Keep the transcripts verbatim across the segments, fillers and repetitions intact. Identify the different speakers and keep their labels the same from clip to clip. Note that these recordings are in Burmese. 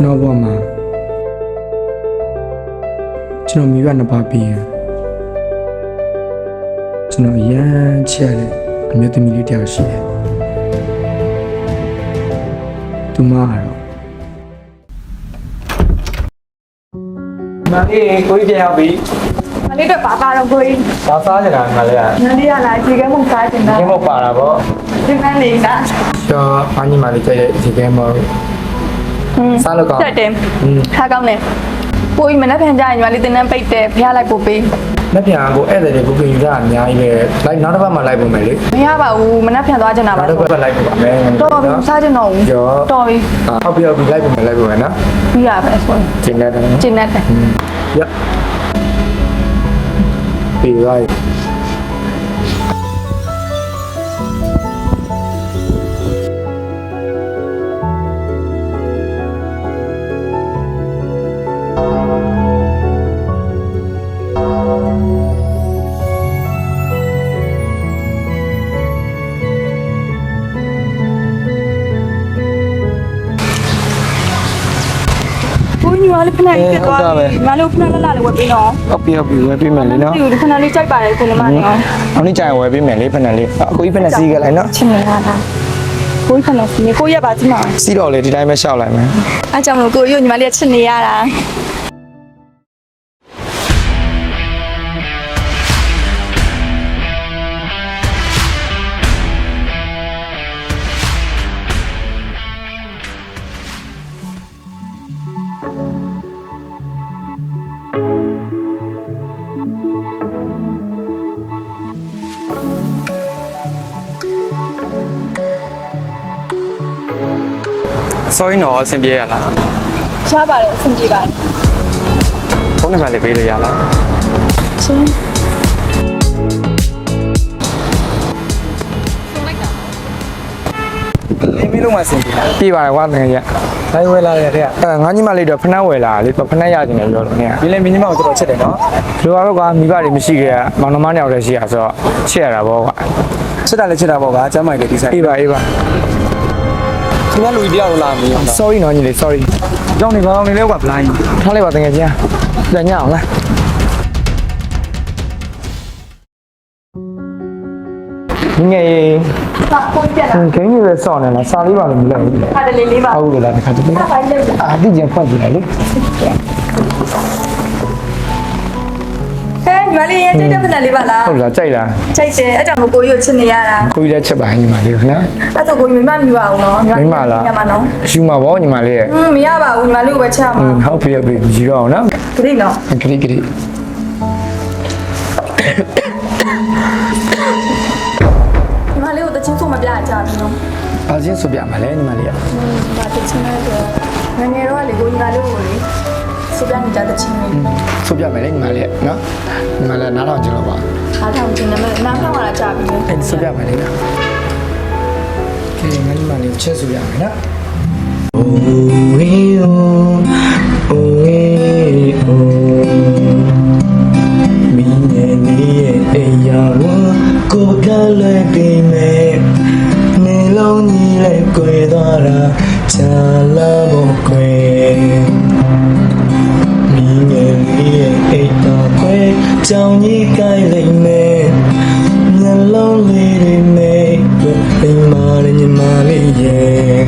Speaker 1: ကျွန်တော်ဘဝမှာကျွန်တော်မိဘနှစ်ပါးပြီးရင်ကျွန်တော်ရမ်းချစ်ရတဲ့အမျိုးသမီးလေးတယောက်ရှိတယ်သူမကတော့မအေးကိုကြီးပြန်ရောက်ပြီ
Speaker 2: မလေးတော့ပါပါတော့ကိုကြီး
Speaker 1: ဘာစားကြတာမလေးอ่ะ
Speaker 2: မလေးရလာဒီကဲမုန်စားတင်တာ
Speaker 1: ဒီမပါတာဗော
Speaker 2: ဒီမလေးလား
Speaker 1: ကျော်အညီမလေးကြည့်ဒီကဲမစားလို့ကောင်း
Speaker 2: တက်တယ်ခါကောင်းတယ်ကိုကြီးမနှက်ဖန်ကြရင်ညီမလေးတင်တန်းပိတ်တယ်ဖျားလိုက်ပို့ပေး
Speaker 1: လက်ပြန်ကိုဧည့်သည်တွေကိုပြင်ယူတာအများကြီးပဲလိုက်နောက်တစ်ပတ်မှလိုက်ပုံမယ်လေ
Speaker 2: မရပါဘူးမနှက်ဖန်သွားချင်တာပါ
Speaker 1: နောက်တစ်ပတ်လိုက်ပုံပါမယ်
Speaker 2: တော်ပြီစားချင်တော့ဘူးတော်ပြီ
Speaker 1: ဟုတ်ပြီဟုတ်ပြီလိုက်ပုံမယ်လိုက်ပုံမယ်နော်
Speaker 2: ပြီးရပဲဆို
Speaker 1: ကျင်းနေတယ်
Speaker 2: ကျင်းနေတယ်
Speaker 1: ရပြီးလိုက်
Speaker 2: ညီမလေးဖနာလေးပြတ်သွားပြီညီမလေးဖနာလာလာလေးဝယ်ပေးနော်
Speaker 1: ဟုတ်ပြီဟုတ်ပြီဝယ်ပေးမယ်လေနော်
Speaker 2: ဒီဖနာလေးကြိုက်ပါတယ်ကိုညီမလေး
Speaker 1: အောင်နေ့ကျရင်ဝယ်ပေးမယ်လေဖနာလေးအကိုကြီးဖနာစီးခဲ့လိုက်နော်
Speaker 2: ချင်နေတာလားကိုကြီးဖနာစီးနေကိုရက်ပါကြည့်မှာ
Speaker 1: စီးတော့လေဒီတိုင်းပဲရှောက်လိုက်မယ်
Speaker 2: အားကြောင့်မလို့ကိုကြီးညီမလေးချစ်နေရတာ
Speaker 1: sorry နော်အဆင်ပြေရလား
Speaker 2: ရှားပါတယ်အဆင်ပြေပါတယ်
Speaker 1: ဖုန်းနံပါတ်လေးပေးလို့ရလား
Speaker 2: ရှင်
Speaker 1: လေးမီးလုံးမဆင်ပြေပြေပါတယ်ကွာတကယ်ကြီးလိုက်ဝယ်လာတဲ့တဲ့အဲငါညီမလေးတော့ဖနှက်ဝယ်လာလေဖနှက်ရကျင်တယ်ပြောလို့နေဒီလေမင်းညီမကိုတော်တော်ချစ်တယ်နော်လူကတော့ကွာမိဘတွေမရှိခဲ့မောင်နှမနှစ်ယောက်တည်းရှိရဆိုတော့ချစ်ရတာပေါ့ကွာချစ်တာလည်းချစ်တာပေါ့ကွာကျမ်းမိုက်တယ်ဒီဆိုင်အေးပါအေးပါခင်ဗျာလူကြီးတယောက်လာမင်း sorry နော်ညီလေး sorry ကြောင်းနေကောင်းနေလဲကွာ blind ထားလိုက်ပါတကယ်ကြီးပြန်ညအောင်လားငယ်
Speaker 2: စာပုံပြလာ
Speaker 1: ခင်းကြီးပဲစောင့်နေလားစာလေးပါလို့မလုပ်ဘူး
Speaker 2: ခါတလေးလေးပါ
Speaker 1: ဟုတ်ကဲ့လားတစ်ခါတည်းအာဒီကျန်ဖတ်ကြည့်လိုက်လေ
Speaker 2: ဟဲ့ညီမလေးရဲ့ကြိုက်တဲ့ဖက်လေးပါလား
Speaker 1: ဟုတ်လားကြိုက်လား
Speaker 2: ကြိုက်တယ်အဲ့ကြောင့်ကိုကိုကြီးကိုချစ်နေရတာ
Speaker 1: ကိုကြီးလည်းချစ်ပါညီမလေးခင်ဗျာ
Speaker 2: အဲ့တော့ကိုကြီးမိမမြူအောင်နော်
Speaker 1: မိမလား
Speaker 2: ညမနော်
Speaker 1: ယူမှာပေါ့ညီမလေးရဲ့
Speaker 2: ဟင်းမရပါဘူးညီမလေးကိုပဲချမှာ
Speaker 1: ဟုတ်ပြီဟုတ်ပြီယူတော့အောင်နော်
Speaker 2: ဂရိနော်
Speaker 1: ဂရိဂရိ
Speaker 2: ညီမလေးကိုတချင်းဆိုမပြကြဘူးနော်
Speaker 1: ဘာချင်းဆိုပြမှာလဲညီမလေးက
Speaker 2: ဘာတချင်းလဲဆိုငငယ်တော့လေကိုညီမလေးကိုလေဆိုပြနေကြတဲ့ချင်းလေး
Speaker 1: ဆိုပြမယ်လေညီမလေးနော်ညီမလေးနားထောင်ကြည့်တော့ပါ
Speaker 2: နားထောင်ကြည့်နေမယ်နားထောင်လာကြပြီလေ
Speaker 1: အဲ့ဆိုပြမယ်လေနော်ကဲငါညီမလေးချက်ဆိုပြမယ်နော် Oh oh oh oh မင်းရဲ့နေရဲ့အရာကိုကလည်းပြင်မယ်နေလုံးကြီးလည်းကြွယ်သွားတာချာလာဖို့ကြွယ်မင်းရဲ့နေရဲ့အိတ်တော်ခွဲကြောင်ကြီးကိုင်းလိုက်မယ်မျက်လုံးလေးတွေနဲ့အိမ်မာနဲ့ညီမလေးရဲ့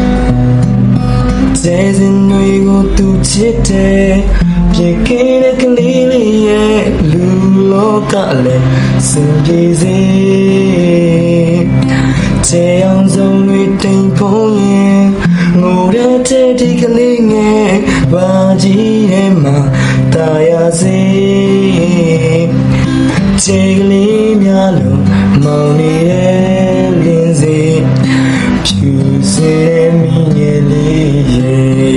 Speaker 1: ကျေးဇူးတွေကိုသူချစ်တယ်ပြေခဲ့တဲ့ကလေးလေးရဲ့လူလောကလည်းစင်ပြေစေချေအောင်ဆုံးတွေတိမ်ဖုံးရင်ငိုတဲ့ဒီကလေးငယ်ဘာကြီးရဲ့မှာတာယာစေချေကလေးများလုံးမောင်နေတဲ့လင်းစေဖြူစေမင်းရဲ့လေးရဲ့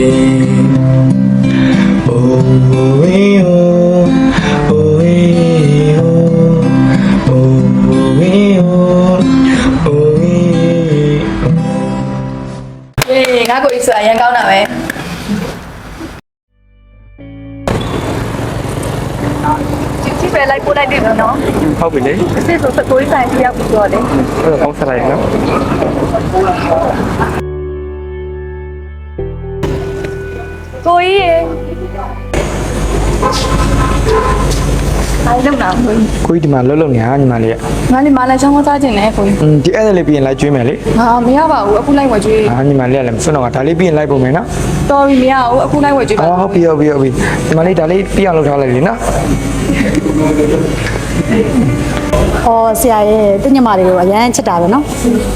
Speaker 1: Oh oh oh oh oh oh
Speaker 2: အေးငါကိုကြီးဆိုအရင်ကောင်းတာပဲကြည့်ပဲလိုက်ပို့လိုက်တယ်နော်
Speaker 1: ဟုတ်ပြီလေ
Speaker 2: စစ်ဆိုစကိုးဆိုင်ပြရောက်ပြီးတော့လေ
Speaker 1: အဲ့တော့ဆက်လိုက်နော်
Speaker 2: ကိုကြီးရေအဲ့လုံးနာကိုကြီး
Speaker 1: ကိုကြီးဒီမှာလှုပ်လှုပ်နေတာညီမလေးက
Speaker 2: ငါလည်းမလာချောင်းမစားခြင်းနဲ့ကိုကြီး
Speaker 1: อืมဒီအဲ့ဒါလေးပြီးရင်လိုက်ကျွေးမယ်လေ
Speaker 2: ငါမရပါဘူးအခုလိုက်ဝယ်ကျွေး
Speaker 1: အာညီမလေးကလည်းမစွန့်တော့ဒါလေးပြီးရင်လိုက်ပုံမယ်နော်
Speaker 2: တော်ပြီမရဘူးအခုလိုက်ဝယ်ကျွေးပါ
Speaker 1: အော်ဟုတ်ပြီဟုတ်ပြီဟုတ်ပြီညီမလေးဒါလေးပြီးအောင်လုပ်ထားလိုက်လေနော်
Speaker 3: ဟောဆရာရဲ့တညမလေးကိုအရန်ချစ်တာပဲနော်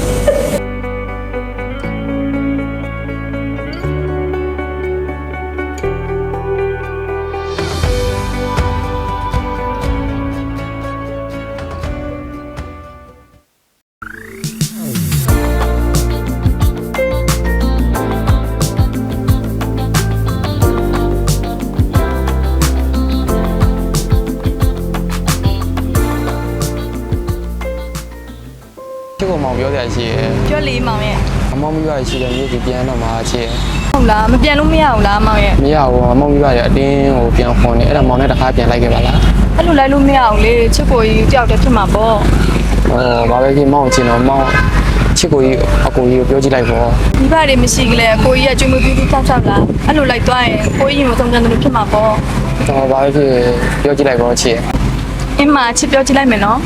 Speaker 4: ချစ်ကိုမောင်ပြောစရာရှိရယ်
Speaker 2: ပြောလေမောင်ရဲ့
Speaker 4: အမောင်မိဘရရှိတဲ့မြို့ကြီးပြန်တော့မှာချစ်ရယ်
Speaker 2: ဟုတ်လားမပြန်လို့မရဘူးလားမောင်ရဲ့
Speaker 4: မရဘူးအမောင်မိဘရအတင်းကိုပြန်ခွန်နေအဲ့ဒါမောင်နဲ့တခါပြန်လိုက်ခဲ့ပါလား
Speaker 2: အဲ့လိုလိုက်လို့မရဘူးလေချစ်ကိုကြီးတယောက်တည်းဖြစ်မှာပေါ့
Speaker 4: ဟောဘာပဲဖြစ်မောင်ချင်တော့မောင်ချစ်ကိုကြီးအကိုကြီးကိုပြောကြည့်လိုက်ပေါ့
Speaker 2: မိဘတွေမရှိကြလေကိုကြီးကကျွေးမပြီးပြီးတောက်ချလားအဲ့လိုလိုက်သွားရင်ကိုကြီးမဆုံးကြတယ်လို့ဖြစ်မှာပေါ့
Speaker 4: ဟောဘာပဲဖြစ်ပြောကြည့်လိုက်ပေါ့ချစ်
Speaker 2: အင်းမချစ်ပြောကြည့်လိုက်မယ်နော်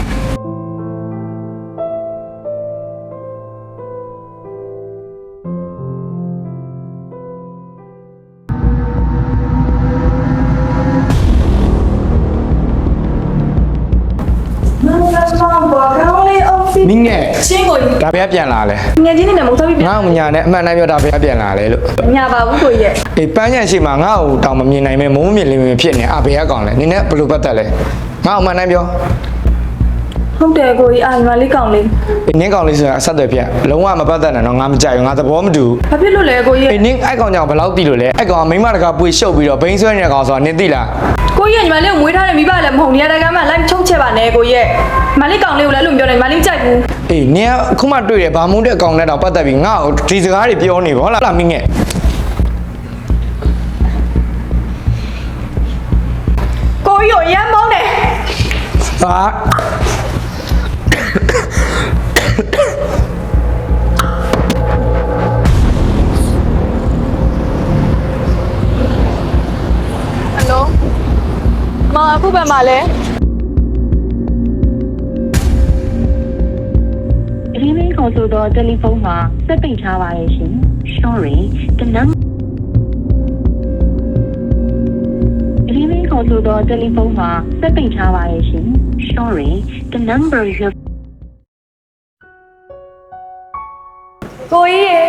Speaker 1: နင်းငယ်
Speaker 2: ရှင်းကိုကြီး
Speaker 1: ဒါဘယ်ပြန်လာလဲ
Speaker 2: ငယ်ချင်းနေနဲ့မဟုတ်ဘူးပြ
Speaker 1: ငါ့ကိုညာနဲ့အမှန်တိုင်းပြောဒါဘယ်ပြန်လာလဲလို့
Speaker 2: ညာပါဘူးကိုကြီးရဲ့
Speaker 1: အေးပန်းညံရှိမှာငါ့ကိုတောင်မမြင်နိုင်မဲမုံမြင်လိမ့်မယ်ဖြစ်နေအဘယ်ကောင်လဲနင်းနဲ့ဘယ်လိုပတ်သက်လဲငါ့အမှန်တိုင်းပြော
Speaker 2: ဟုတ်တယ်ကိုကြီးအာညီမလေးကောင်းလေး
Speaker 1: အေးနင်းကောင်လေးဆိုတာအဆက်တွေဖြစ်လုံးဝမပတ်သက်နဲ့တော့ငါမကြိုက်ဘူးငါသဘောမတူဘူး
Speaker 2: ဘာဖြစ်လို့လဲကိုကြီးရဲ့
Speaker 1: အေးနင်းအဲ့ကောင်ကြောင့်ဘယ်လောက်တိလို့လဲအဲ့ကောင်ကမိမတကာပွေရှုပ်ပြီးတော့ဘိန်းဆွဲနေတဲ့ကောင်ဆိုတာနင်းသိလား
Speaker 2: ကိုကြီးကညီမလေးကိုမွေးထားတဲ့မိဘလည်းမဟုတ်နေရတဲ့ကမ်းမှလိုက်ချုံချက်ပါနဲ့ကိုကြီးရဲ့ညီမလေးကောင်းလေးကိုလည်းအဲ့လိုပြောတယ်ညီမလေးကြိုက်ဘူး
Speaker 1: အေးနင်းကခုမှတွေ့တယ်ဗာမုန်းတဲ့အကောင်နဲ့တော့ပတ်သက်ပြီးငါ့ကိုဒီစကားတွေပြောနေပါဟုတ်လားမင်းငယ်
Speaker 2: ကိုကြီးကိုရမ်းမောင်းတယ်
Speaker 1: ဟာ
Speaker 2: ဟယ်လိုမအခုပဲမလဲ
Speaker 5: ဒီမင်းခေါ်ဆိုတော့တယ်လီဖုန်းမှာစက်ပိတ်ထားပါရဲ့ရှင် Sorry the number ဒီမင်းခေါ်ဆိုတော့တယ်လီဖုန်းမှာစက်ပိတ်ထားပါရဲ့ရှင် Sorry the number you
Speaker 2: ကိုကြီးရေ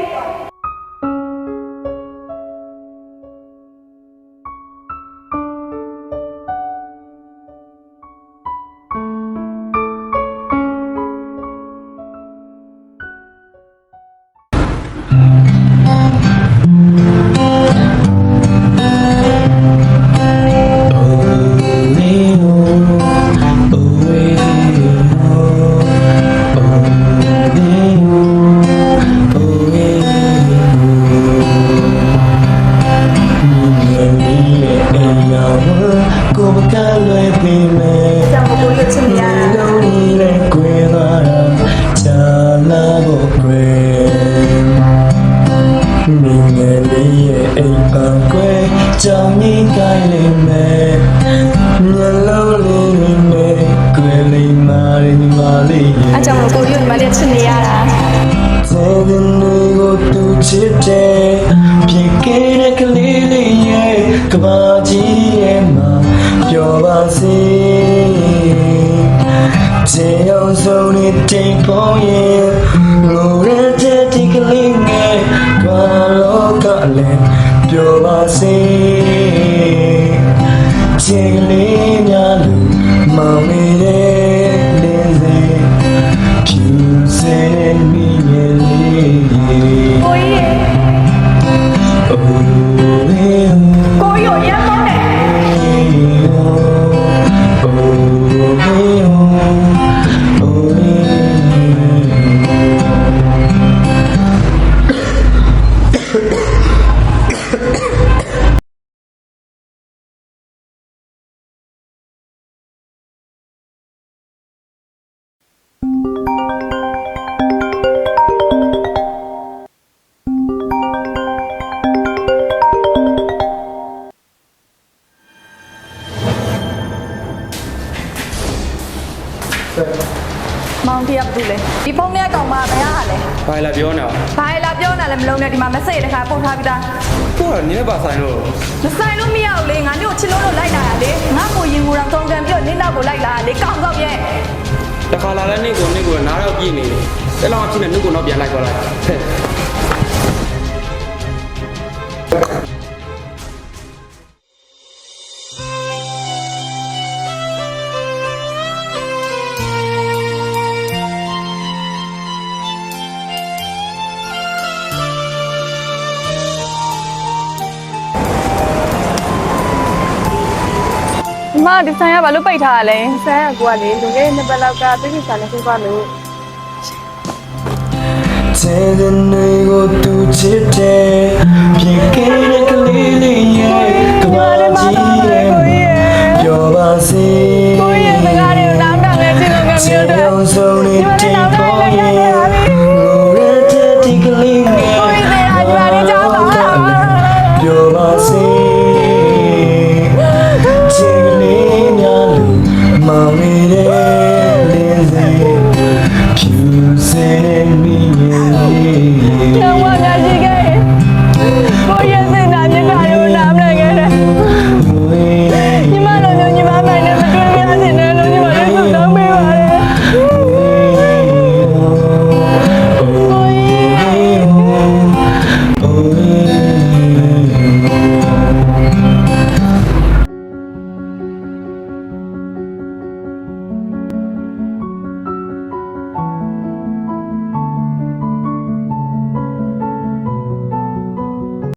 Speaker 1: ကိုမကလွယ်ပြီမဲ
Speaker 2: ကြောင်ကိုကြီးချစ်နေရတာ
Speaker 1: လုံးကြီးနဲ့ကွေလာတာချာလာဖို့ကွယ်မင်းငယ်လေးရဲ့အိမ်ပန်ကွယ်ကြောင်ကြီးကိုင်းလေးမဲမျက်လုံးလေးတွေနဲ့ကွယ်လေးမာရင်းမာလေးရဲ့
Speaker 2: အကြောင်ကိုကြီးကိုညီမလေးချစ်နေရတာ
Speaker 1: Tell me no to chite Pique de kalili ye Kabaji ye ma Pyo ba si Te yong so ni te pong ye Ngo re te ti kaling ye Kwa lo ka le Pyo ba si Te kaling ya lu Ma mi de Lin se Pyu se mi ye
Speaker 2: ဖေကဘာလို့လဲဒီဖုန်းထဲကောင်မဘယ်ဟာလဲ
Speaker 6: ဘာလဲပြောနေတာ
Speaker 2: ဘာလာပြောနေလဲမလုံးနဲ့ဒီမှာ message တစ်ခါပို့ထားပြီးသား
Speaker 6: ကိုကနင်းပါဆိုင်လို့
Speaker 2: မဆိုင်လို့မရဘူးလေငါမျိုးချစ်လို့လို့လိုက်လာတာလေငါကိုရင်ကိုယ်တော်တုံးကန်ပြီးတော့နင်းနောက်ကိုလိုက်လာတာလေကောင်းကောက်ရဲ့
Speaker 6: တခါလာလဲနေကိုနေကိုနားတော့ပြည့်နေတယ်အဲ့လောက်အဖြစ်နဲ့နှုတ်ကိုတော့ပြန်လိုက်သွားလိုက်ဟဲ့
Speaker 2: မဒီဆိုင်ကဘာလို့ပိတ်ထားရလဲဆိုင်ကကိုကလေလူငယ်နှစ်ပတ်လောက်ကပြည့်ပြည့်စားနေပြပါလို့
Speaker 1: Take the nigga to today. Pick it